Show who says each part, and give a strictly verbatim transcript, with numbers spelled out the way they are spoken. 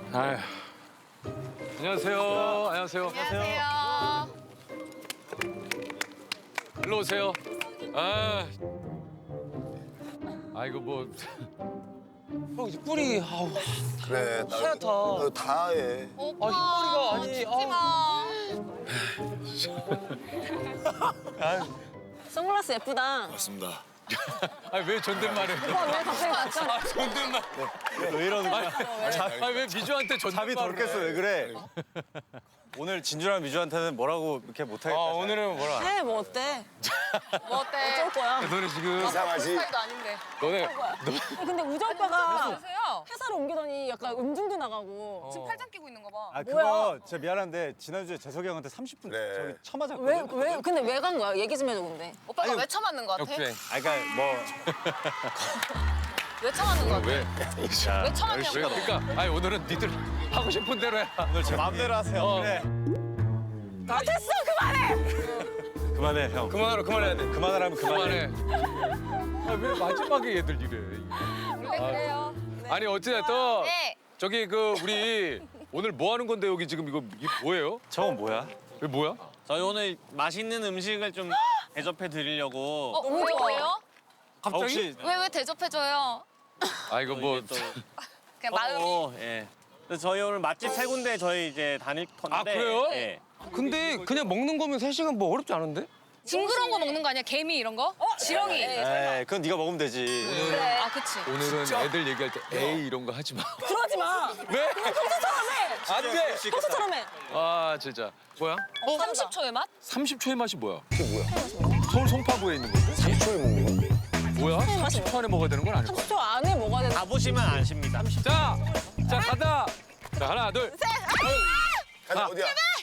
Speaker 1: 아휴. 안녕하세요. 안녕하세요.
Speaker 2: 안녕하세요.
Speaker 1: 일로 오세요. 아. 아이고 뭐.
Speaker 3: 형 이제 뿔이 아우
Speaker 4: 그래.
Speaker 3: 하얗다.
Speaker 4: 나, 다 해.
Speaker 2: 오빠.
Speaker 3: 흰머리가 아니,
Speaker 2: 죽지 마.
Speaker 5: 선글라스 예쁘다.
Speaker 4: 맞습니다.
Speaker 1: 아왜 존댓말해?
Speaker 5: 오빠 왜 갑자기 맞잖아.
Speaker 1: 아 존댓말.
Speaker 6: 왜 이러는 거야?
Speaker 1: 아왜 미주한테 존댓말?
Speaker 6: 잠이 덜 깼어. 왜 그래? 오늘 진주랑 미주한테는 뭐라고 이렇게 못하겠다.
Speaker 1: 아 오늘은 뭐라?
Speaker 5: 해, 뭐 어때?
Speaker 2: 뭐 어때?
Speaker 5: 어쩔 거야.
Speaker 1: 너네 지금
Speaker 4: 이상하지?
Speaker 2: 스타일도 아닌데.
Speaker 1: 너네
Speaker 5: 야, 근데 우재 오빠가
Speaker 2: 안녕하세요.
Speaker 5: 회사를 옮기더니 약간 음중도 나가고.
Speaker 2: 지금 팔짱 끼고 있는 거 봐.
Speaker 6: 아
Speaker 5: 뭐야?
Speaker 6: 그거 진짜 미안한데 지난주에 재석이 형한테 삼십 분
Speaker 4: 그래.
Speaker 6: 저기 쳐맞았거든.
Speaker 5: 왜, 왜, 근데 왜 간 거야? 얘기 좀 해줘, 근데.
Speaker 2: 오빠가
Speaker 6: 아니,
Speaker 2: 왜 처맞는 거 같아?
Speaker 1: 역주행.
Speaker 6: 아 그러니까 뭐
Speaker 2: 왜 처맞는 거 같아?
Speaker 1: 왜?
Speaker 2: 왜 처맞냐고.
Speaker 1: 왜? 그러니까 아니 오늘은 니들 하고 싶은 대로 해.
Speaker 6: 오늘 제 마음대로 하세요.
Speaker 1: 어.
Speaker 6: 그래.
Speaker 5: 아, 됐어! 그만해!
Speaker 6: 그만해 형.
Speaker 1: 그만하라 그만해야 돼.
Speaker 6: 그만하라면 그만해.
Speaker 1: 그만해. 아왜 마지막에 얘들 이래?
Speaker 2: 원래 그래요.
Speaker 1: 아니 어찌됐든
Speaker 2: 네.
Speaker 1: 저기 그 우리 오늘 뭐 하는 건데 여기 지금 이거 이게 뭐예요?
Speaker 6: 저건 뭐야?
Speaker 1: 이게 뭐야?
Speaker 7: 저희 오늘 맛있는 음식을 좀 대접해 드리려고.
Speaker 2: 어, 너무 좋아요.
Speaker 6: 아, 혹시
Speaker 2: 왜 왜 대접해줘요?
Speaker 1: 아 이거 뭐
Speaker 7: 이게 또-
Speaker 2: 그냥 마음이.
Speaker 7: 어, 예. 그래서 저희 오늘 맛집 세 군데 저희 이제 다닐 건데.
Speaker 1: 아, 그래요?
Speaker 7: 예.
Speaker 3: 근데 그냥 먹는 거면 세 시간 뭐 어렵지 않은데?
Speaker 2: 징그러운 거 먹는 거 아니야? 개미 이런 거? 지렁이.
Speaker 6: 에이 그건 네가 먹으면 되지.
Speaker 2: 그래. 아 그치.
Speaker 1: 오늘은 애들 얘기할 때 에이 이런 거 하지 마.
Speaker 5: 그러지 마!
Speaker 1: 왜?
Speaker 5: 평소처럼 해!
Speaker 1: 안 돼.
Speaker 5: 평소처럼 해!
Speaker 1: 아 진짜. 뭐야?
Speaker 2: 어, 삼십 초의 맛?
Speaker 1: 삼십 초의 맛이 뭐야? 그게 뭐야? 서울 송파구에 있는 건데?
Speaker 4: 삼십 초에 먹는 거?
Speaker 1: 뭐야? 삼십 초 안에 먹어야 되는 건 아닐 거야.
Speaker 5: 삼십 초 안에 먹어야 되는
Speaker 7: 가보시면 아십니다.
Speaker 1: 자, 자 가다. 자 하나 둘.
Speaker 4: 가자, 어디야?